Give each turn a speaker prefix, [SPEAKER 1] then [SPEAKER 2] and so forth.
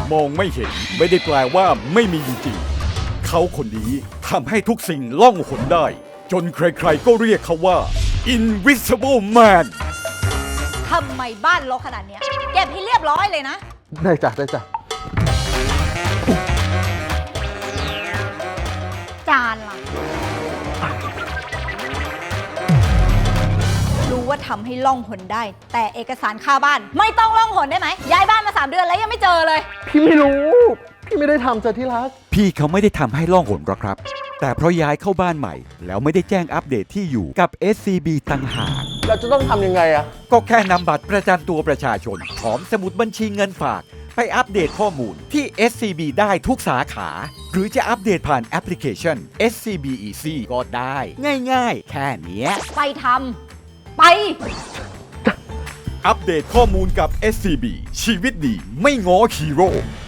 [SPEAKER 1] มองไม่เห็นไม่ได้แปลว่าไม่มีจริงๆเขาคนนี้ทำให้ทุกสิ่งล่องหนได้ จนใครๆก็เรียกเขาว่า Invisible Man
[SPEAKER 2] ทำไมบ้านรกขนาดเนี้ยเก็บให้เรียบร้อยเลยนะ
[SPEAKER 3] ได้จ้ะได้จ้ะ
[SPEAKER 2] จานล่ะ รู้ว่าทำให้ล่องหนได้ แต่เอกสารค่าบ้าน ไม่ต้องล่องหนได้ไหมย้ายบ้านมา3 เดือนแล้วยังไม่เจอเลย
[SPEAKER 3] พี่ไม่รู้ พี่ไม่ได้ทำจ้ะที่รัก
[SPEAKER 1] พี่เขาไม่ได้ทำให้ล่องหนหรอกครับ แต่เพราะย้ายเข้าบ้านใหม่ แล้วไม่ได้แจ้งอัปเดตที่อยู่กับ SCB ต่างหาก
[SPEAKER 3] เราจะต้องทำยังไงอะ
[SPEAKER 1] ก็แค่นำบัตรประจำตัวประชาชนพร้อมสมุดบัญชีเงินฝาก ไปอัปเดตข้อมูลที่ SCB ได้ทุกสาขา หรือจะอัปเดตผ่านแอปพลิเคชัน SCB Easy ก็ได้ ง่ายๆ แค่เนี้ย
[SPEAKER 2] ไปทำไป
[SPEAKER 1] อัปเดตข้อมูลกับ SCB ชีวิตดีไม่ง้อฮีโร่